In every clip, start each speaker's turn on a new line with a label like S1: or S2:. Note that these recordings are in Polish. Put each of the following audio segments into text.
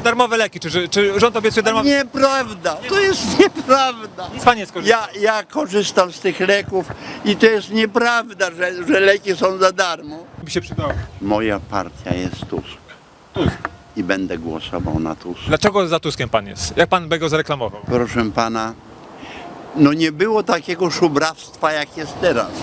S1: Te darmowe leki, czy rząd obiecuje darmowe?
S2: Nieprawda, to jest nieprawda.
S1: Nic pan nie skorzystał.
S2: Ja korzystam z tych leków i to jest nieprawda, że leki są za darmo.
S1: By się przydało.
S2: Moja partia jest Tusk
S1: Tusk.
S2: i będę głosował na Tusk.
S1: Dlaczego za Tuskiem pan jest? Jak pan by go zareklamował?
S2: Proszę pana, no nie było takiego szubrawstwa jak jest teraz.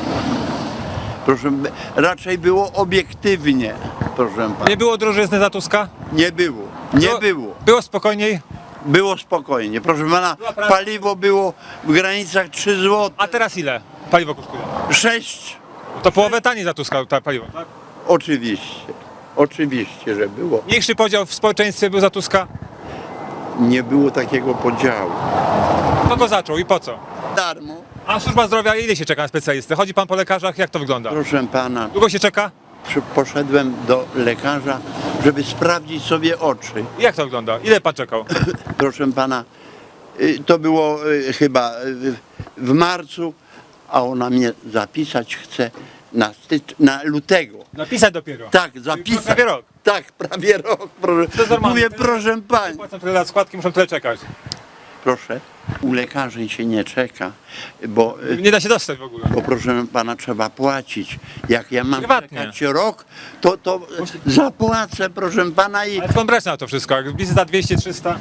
S2: Raczej było obiektywnie, proszę pana.
S1: Nie było drożyzny za Tuska?
S2: Nie było, nie było.
S1: Było spokojniej?
S2: Było spokojnie. Proszę pana, paliwo było w granicach 3 zł.
S1: A teraz ile paliwo kosztuje?
S2: 6.
S1: To połowę taniej za Tuska ta paliwo, tak?
S2: Oczywiście, że było.
S1: Mniejszy podział w społeczeństwie był za Tuska?
S2: Nie było takiego podziału.
S1: Kto go zaczął i po co?
S2: Darmo.
S1: A służba zdrowia, ile się czeka na specjalistę? Chodzi pan po lekarzach, jak to wygląda?
S2: Proszę pana,
S1: Długo się czeka?
S2: poszedłem do lekarza, żeby sprawdzić sobie oczy.
S1: Jak to wygląda? Ile pan czekał?
S2: Proszę pana, to było chyba w marcu, a ona mnie zapisać chce na lutego.
S1: Napisać dopiero.
S2: Tak, zapisać.
S1: prawie rok.
S2: Tak, prawie rok. Proszę.
S1: To jest normalne.
S2: Mówię, proszę pani.
S1: Płacą tyle lat składki, muszą tyle czekać.
S2: Proszę, u lekarzy się nie czeka, bo
S1: Nie da się dostać w ogóle.
S2: proszę pana trzeba płacić. Jak ja mam
S1: Prywatnie.
S2: czekać rok, to zapłacę, proszę pana, i
S1: Ale skąd brać na to wszystko? Jak wizyta 200, 300?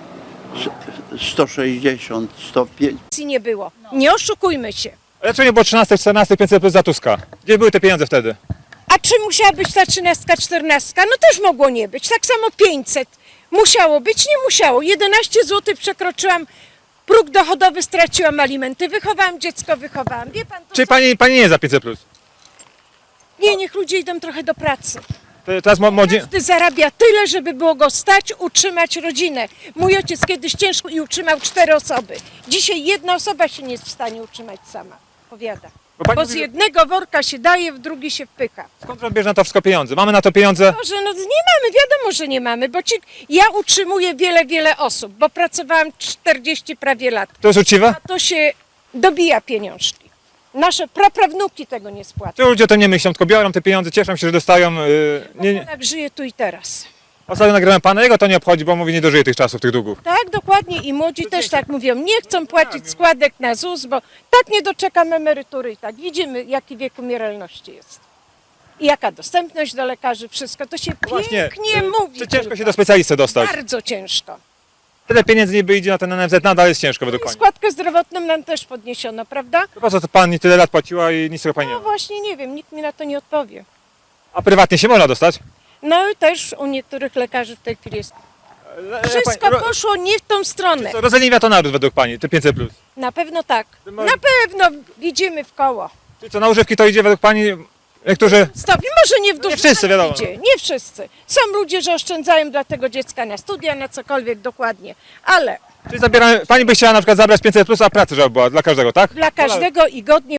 S2: 160, 105.
S3: Nie było. Nie oszukujmy się.
S1: Ale czemu nie było 13, 14, 500 plus za Tuska? Gdzie były te pieniądze wtedy?
S3: A czy musiała być ta 13, 14? No też mogło nie być. Tak samo 500. Musiało być, nie musiało. 11 zł przekroczyłam próg dochodowy, straciłam alimenty. Wychowałam dziecko, wychowałam. Wie pan, to
S1: Czy pani nie jest za 500 plus?
S3: Nie, niech ludzie idą trochę do pracy.
S1: Teraz młodzi...
S3: Każdy zarabia tyle, żeby było go stać, utrzymać rodzinę. Mój ojciec kiedyś ciężko i utrzymał 4 osoby. Dzisiaj jedna osoba się nie jest w stanie utrzymać sama. Powiada.
S1: Bo pani
S3: Bo
S1: mówi,
S3: z
S1: że-
S3: jednego worka się daje, w drugi się wpycha.
S1: Skąd rząd bierze na to wszystko pieniądze? Mamy na to pieniądze?
S3: Może no nie mamy, wiadomo, że nie mamy, bo ja utrzymuję wiele osób, bo pracowałam 40 prawie lat.
S1: To jest uczciwe?
S3: A to się dobija pieniążki. Nasze praprawnuki tego nie spłacą.
S1: Czy ludzie o tym nie myślą, tylko biorą te pieniądze, cieszą się, że dostają... nie.
S3: Tak żyje tu i teraz.
S1: Ostatnio nagrałem pana, jego to nie obchodzi, bo mówi, nie dożyje tych czasów, tych długów.
S3: Tak, dokładnie i młodzi też tak mówią, nie chcą płacić składek na ZUS, bo tak nie doczekam emerytury i tak. Widzimy, jaki wiek umieralności jest. I jaka dostępność do lekarzy, wszystko. To się pięknie mówi.
S1: Czy ciężko
S3: tylko.
S1: się do specjalisty dostać?
S3: Bardzo ciężko.
S1: Tyle pieniędzy niby idzie na ten NFZ, nadal jest ciężko według pani.
S3: Składkę zdrowotną nam też podniesiono, prawda?
S1: To po co to pani tyle lat płaciła i nic tego pani nie
S3: No
S1: ma?
S3: właśnie, nie wiem, nikt mi na to nie odpowie.
S1: A prywatnie się można dostać?
S3: No i też u niektórych lekarzy w tej chwili jest. Wszystko poszło nie w tą stronę.
S1: Rozleniwia to naród według pani, te 500 plus.
S3: Na pewno tak.
S1: Ma-
S3: Na pewno widzimy w koło.
S1: Czyli co, na używki to idzie według pani, niektórzy...
S3: Stopni, może nie w dużym,
S1: wszyscy,
S3: ale
S1: wiadomo.
S3: idzie. Nie wszyscy. Są ludzie, że oszczędzają dla tego dziecka na studia, na cokolwiek dokładnie. Ale
S1: Czyli pani by chciała na przykład zabrać 500 plus, a pracy żeby była dla każdego, tak?
S3: dla każdego i godnie